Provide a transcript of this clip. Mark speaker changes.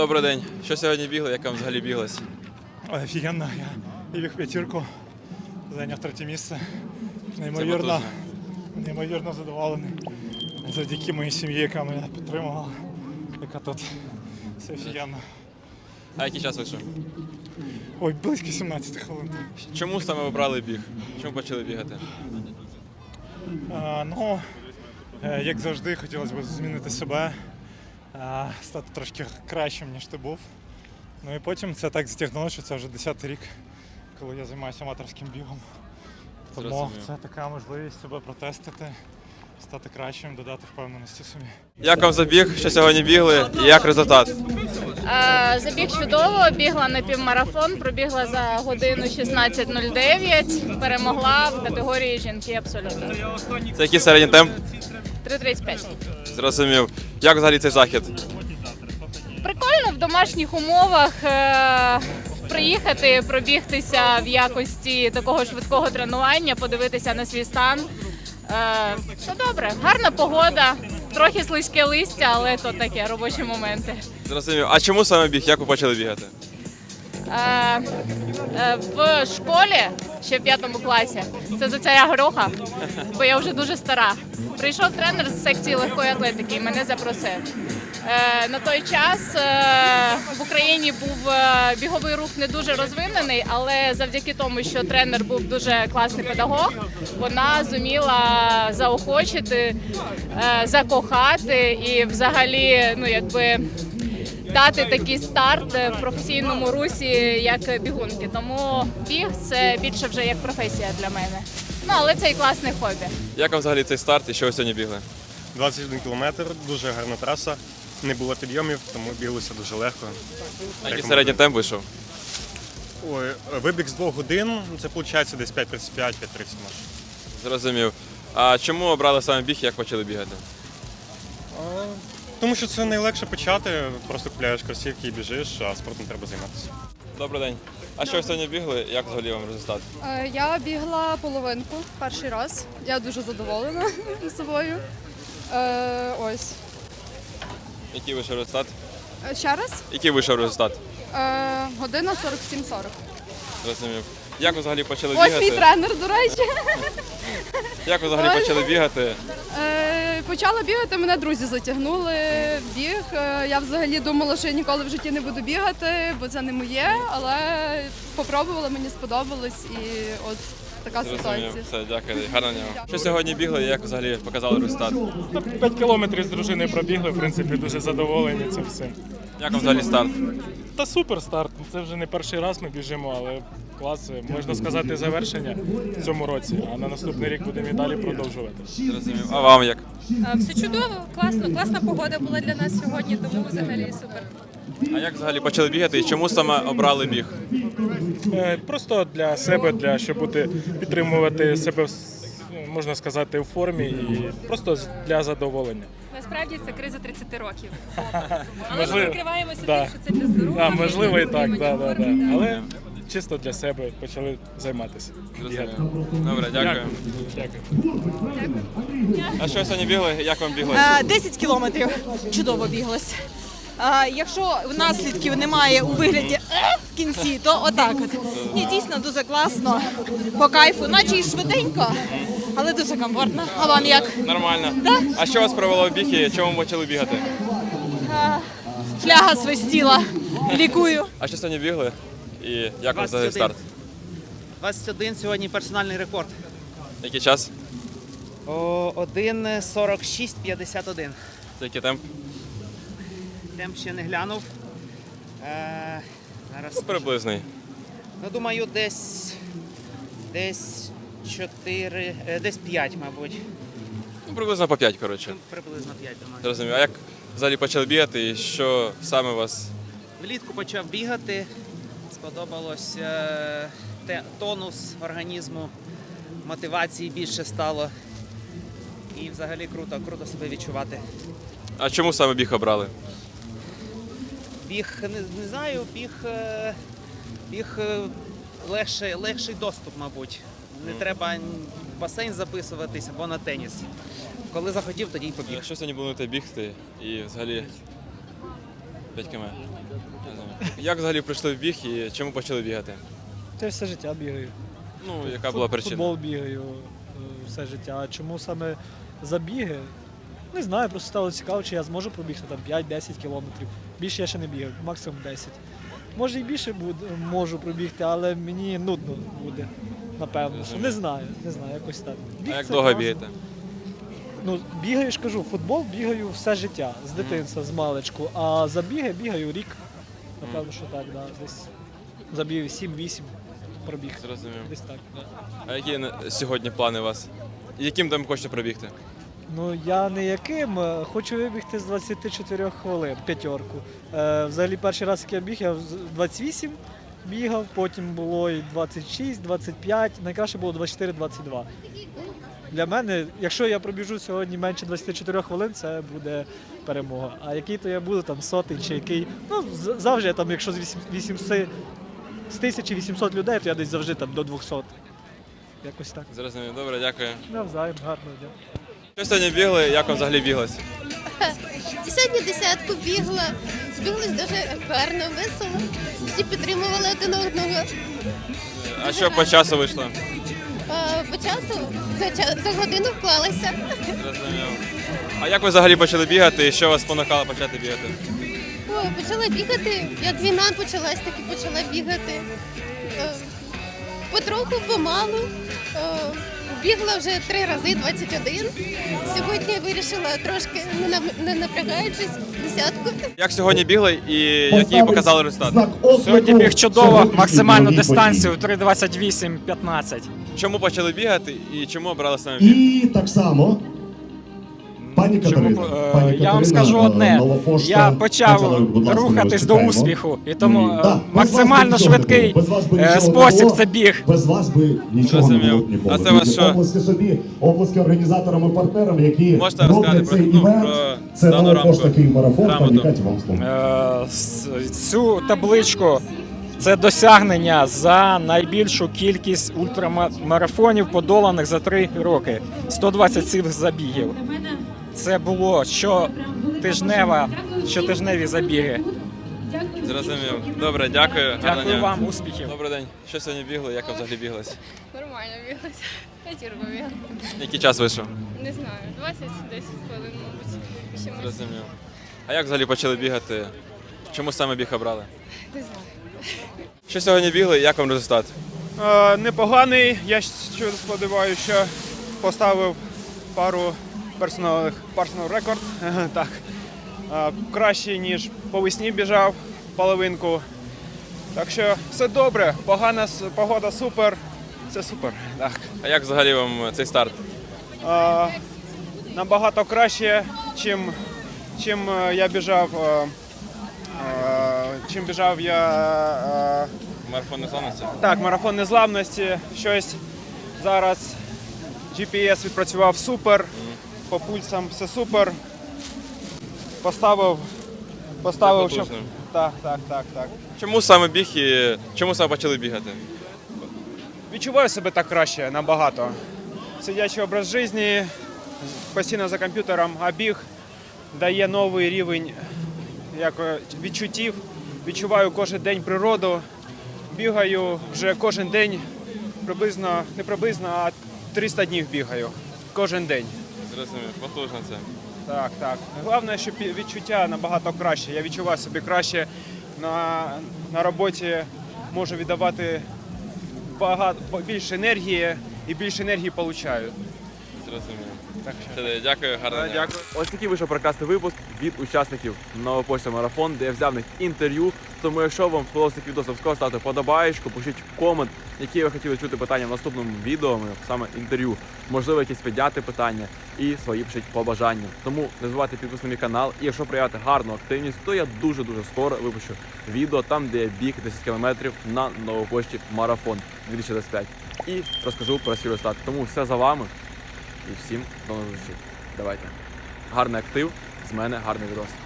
Speaker 1: Добрий день. Що сьогодні бігли? Як вам взагалі біглось?
Speaker 2: Офігенно, я біг п'ятірку, зайняв третє місце.
Speaker 1: Це потужно.
Speaker 2: Неймовірно задоволений. Завдяки моїй сім'ї, яка мене підтримувала, яка тут. Все офігенно.
Speaker 1: А який час вийшов?
Speaker 2: Ой, близько 17 хвилин.
Speaker 1: Чому саме обрали біг? Чому почали бігати?
Speaker 2: Як завжди, хотілося б змінити себе, стати трошки кращим, ніж ти був. Ну і потім це так затягнуло, що це вже 10-й рік, коли я займаюся аматорським бігом. Тому
Speaker 1: Зрозумів.
Speaker 2: це така можливість себе протестити, стати кращим, додати впевненості собі.
Speaker 1: Як вам забіг? Що сьогодні бігли? І як результат?
Speaker 3: Забіг чудово, бігла на півмарафон, пробігла за годину 16:09, перемогла в категорії жінки абсолютно.
Speaker 1: Це який середній темп?
Speaker 3: 3:35.
Speaker 1: Зрозумів. Як взагалі цей захід?
Speaker 3: Прикольно в домашніх умовах приїхати, пробігтися в якості такого швидкого тренування, подивитися на свій стан. Все добре, гарна погода, трохи слизьке листя, але то таке, робочі моменти.
Speaker 1: Зрозумів. А чому саме біг? Як ви почали бігати?
Speaker 3: В школі, ще в 5 класі, це за царя Гороха, бо я вже дуже стара. Прийшов тренер з секції легкої атлетики і мене запросив. На той час в Україні був біговий рух не дуже розвинений, але завдяки тому, що тренер був дуже класний педагог, вона зуміла заохочити, закохати і взагалі, дати такий старт в професійному русі, як бігунки. Тому біг – це більше вже як професія для мене. Але це і класне хобі.
Speaker 1: Як вам взагалі цей старт і що ви сьогодні бігли?
Speaker 4: 21 кілометр, дуже гарна траса, не було підйомів, тому біглося дуже легко.
Speaker 1: А який середній темп вийшов?
Speaker 4: Ой, вибіг з 2 годин, це виходить десь 5:35, 5:30 може.
Speaker 1: Зрозумів. А чому обрали саме біг і як почали бігати?
Speaker 4: Тому що це найлегше почати, просто купляєш кросівки і біжиш, а спортом треба займатися.
Speaker 1: Добрий день. А що ви сьогодні бігли? Як взагалі вам результат?
Speaker 5: Я бігла половинку перший раз. Я дуже задоволена собою. Ось.
Speaker 1: Який вийшов результат?
Speaker 5: Ще раз.
Speaker 1: Який вийшов результат?
Speaker 5: Година 47:40.
Speaker 1: Зрозумів. Як ви взагалі почали
Speaker 5: Ось
Speaker 1: бігати?
Speaker 5: мій тренер, до речі.
Speaker 1: Як ви взагалі почали бігати?
Speaker 5: Почала бігати, мене друзі затягнули в біг. Я взагалі думала, що я ніколи в житті не буду бігати, бо це не моє, але попробувала, мені сподобалось і от така ситуація.
Speaker 1: Зрозумів. Все, дякую. Гарного дня. Що сьогодні бігли і як взагалі показали результат?
Speaker 2: 5 кілометрів з дружиною пробігли, в принципі, дуже задоволені цим всім.
Speaker 1: Як вам взагалі старт?
Speaker 2: Та супер старт, це вже не перший раз ми біжимо, але клас, можна сказати, завершення в цьому році, а на наступний рік будемо і далі продовжувати.
Speaker 1: Зрозумів. А вам як?
Speaker 6: Все чудово, класно. Класна погода була для нас сьогодні, тому взагалі супер.
Speaker 1: А як взагалі почали бігати і чому саме обрали біг?
Speaker 2: Просто для себе, щоб підтримувати себе, можна сказати, у формі і просто для задоволення.
Speaker 6: Насправді це криза 30 років. Але
Speaker 2: Можливо,
Speaker 6: ми прикриваємося
Speaker 2: да.
Speaker 6: тим, що це для здоров'я.
Speaker 2: Можливо і так,
Speaker 6: підтримання
Speaker 2: да.
Speaker 6: форми,
Speaker 2: Але чисто для себе почали займатися.
Speaker 1: Зрозумів. Добре, дякую.
Speaker 2: Дякую.
Speaker 1: А що сьогодні бігли? Як вам біглося?
Speaker 7: 10 кілометрів. Чудово біглось. Якщо наслідків немає у вигляді в кінці, то отак от. Ні, дійсно дуже класно, по кайфу, наче і швиденько, але дуже комфортно. А вам як?
Speaker 1: Нормально.
Speaker 7: Да?
Speaker 1: А що вас привело в біг і чому ви почали бігати?
Speaker 7: Фляга свистіла, лікую.
Speaker 1: А що сьогодні бігли? І як вам взагалі старт?
Speaker 8: 21 сьогодні персональний рекорд.
Speaker 1: Який час?
Speaker 8: 1:46:51.
Speaker 1: Це який темп?
Speaker 8: Темп ще не глянув. Зараз
Speaker 1: Приблизний.
Speaker 8: думаю, десь 4, десь 5, мабуть.
Speaker 1: Приблизно по 5, коротше.
Speaker 8: Приблизно 5, думаю.
Speaker 1: Зрозумів. А як взагалі почали бігати і що саме вас?
Speaker 8: Влітку почав бігати. Сподобалось тонус організму, мотивації більше стало. І взагалі круто себе відчувати.
Speaker 1: А чому саме біг обрали?
Speaker 8: Біг, не знаю, біг легший доступ, мабуть. Не треба в басейн записуватись або на теніс. Коли захотів, тоді й побіг.
Speaker 1: Що сьогодні будете бігти і взагалі 5 км? Як взагалі прийшли в біг і чому почали бігати?
Speaker 9: Та все життя бігаю.
Speaker 1: Ну, яка була причина?
Speaker 9: Футбол бігаю все життя. А чому саме забіги? Не знаю, просто стало цікаво, чи я зможу пробігти там 5-10 кілометрів. Більше я ще не бігав, максимум 10. Може і більше можу пробігти, але мені нудно буде, напевно. Що не знаю, якось так. Біг
Speaker 1: А як
Speaker 9: це
Speaker 1: довго
Speaker 9: класно.
Speaker 1: бігаєте?
Speaker 9: Ну, бігаю, ж кажу, футбол бігаю все життя, з дитинства, з маличку. А забіги бігаю рік. Напевно, що так, да. Десь забігаю 7-8 пробіг.
Speaker 1: Зрозумів.
Speaker 9: Десь так, да.
Speaker 1: А які сьогодні плани у вас? І яким там хочете пробігти?
Speaker 9: Ну, я не яким, хочу вибігти з 24 хвилин, п'ятерку. Взагалі перший раз, як я біг, я з 28 бігав, потім було і 26, 25, найкраще було 24-22. Для мене, якщо я пробіжу сьогодні менше 24 хвилин, це буде перемога. А який то я буду, там сотий чи який, ну завжди я там, якщо з 1800 людей, то я десь завжди там до 200. Якось так.
Speaker 1: Зрозумів. Добре, дякую.
Speaker 9: Навзаєм, гарного дня.
Speaker 1: Що сьогодні бігли, як вам взагалі біглося?
Speaker 10: Сьогодні десятку бігла, збіглась дуже гарно, весело. Всі підтримували один одного.
Speaker 1: А що по часу вийшло?
Speaker 10: По часу за годину вклалася.
Speaker 1: Зрозумів. А як ви взагалі почали бігати і що вас спонукало почати бігати?
Speaker 10: Почала бігати, як війна почалась, так і почала бігати. Потроху, помалу. Бігла вже 3 рази 21. Сьогодні вирішила трошки, не напрягаючись, десятку.
Speaker 1: Як сьогодні бігли і який показали результат?
Speaker 11: Сьогодні біг чудово, максимальну дистанцію 3:28:15.
Speaker 1: Чому почали бігати і чому обрали саме біг?
Speaker 12: І так само. Пані Катерина,
Speaker 11: Я вам скажу одне, я почав рухатись до успіху, і тому максимально швидкий спосіб це біг.
Speaker 12: Без вас би нічого не було ніколи.
Speaker 1: А це вас що?
Speaker 12: Оплески собі, оплески організаторам і партнерам, які
Speaker 1: Можете розказати
Speaker 12: роблять цей
Speaker 1: про
Speaker 12: івент. Це
Speaker 1: дану
Speaker 12: Новопошта
Speaker 1: рамку?
Speaker 12: Київмарафон. Пані
Speaker 1: Грамоту.
Speaker 12: Каті, вам слово.
Speaker 11: Цю табличку це досягнення за найбільшу кількість ультрамарафонів, подоланих за 3 роки. 127 забігів. Це було щотижневі забіги.
Speaker 1: Зрозумів. Добре, дякую. Гарного
Speaker 11: Дякую
Speaker 1: дня.
Speaker 11: вам, успіхів.
Speaker 1: Добрий день. Що сьогодні бігли, як вам взагалі біглось?
Speaker 3: Нормально біглася. П'ятірку бігла.
Speaker 1: Який час вийшов?
Speaker 3: Не знаю, 20-10 хвилин, мабуть. Ще
Speaker 1: Зрозумів. А як взагалі почали бігати? Чому саме біг обрали?
Speaker 3: не знаю.
Speaker 1: Що сьогодні бігли і як вам результат?
Speaker 2: Непоганий. Я сподіваюся, що поставив пару персонал рекорд. Так. Краще, ніж по весні біжав половинку. Так що все добре, погода супер, все супер. Так.
Speaker 1: А як взагалі вам цей старт?
Speaker 2: Набагато краще, чим я біжав. Чим біжав я.
Speaker 1: Марафон незламності?
Speaker 2: Так, марафон незламності. Щось зараз GPS відпрацював супер, по пульсам все супер. Поставив, щоб... Так.
Speaker 1: Чому саме біг і чому саме почали бігати?
Speaker 2: Відчуваю себе так краще, набагато. Сидячий образ життя, постійно за комп'ютером, а біг дає новий рівень відчуттів. Відчуваю кожен день природу. Бігаю вже кожен день, а 300 днів бігаю. Кожен день.
Speaker 1: Зрозумів, потужно це.
Speaker 2: Так. Головне, що відчуття набагато краще. Я відчуваю себе краще. На роботі можу віддавати більше енергії і більше енергії отримую.
Speaker 1: Зрозумів.
Speaker 2: Так що.
Speaker 1: Дякую, гарного дня.
Speaker 2: Дякую.
Speaker 1: Ось такий вийшов прекрасний випуск від учасників Новопошта Марафон, де я взяв в них інтерв'ю. Тому якщо вам сподобався такий відео, обов'язково ставте подобаєчку, пишіть комент, які ви хотіли чути питання в наступному відео, саме інтерв'ю. Можливо, якісь підняти питання і свої пишіть побажання. Тому не забувайте підписати на мій канал. І якщо проявити гарну активність, то я дуже-дуже скоро випущу відео там, де я біг 10 кілометрів на Новопошті Марафон 2025. І розкажу про свій результат. Тому все за вами. І всім до нових зустрічей. Давайте. Гарний актив, з мене гарний відос.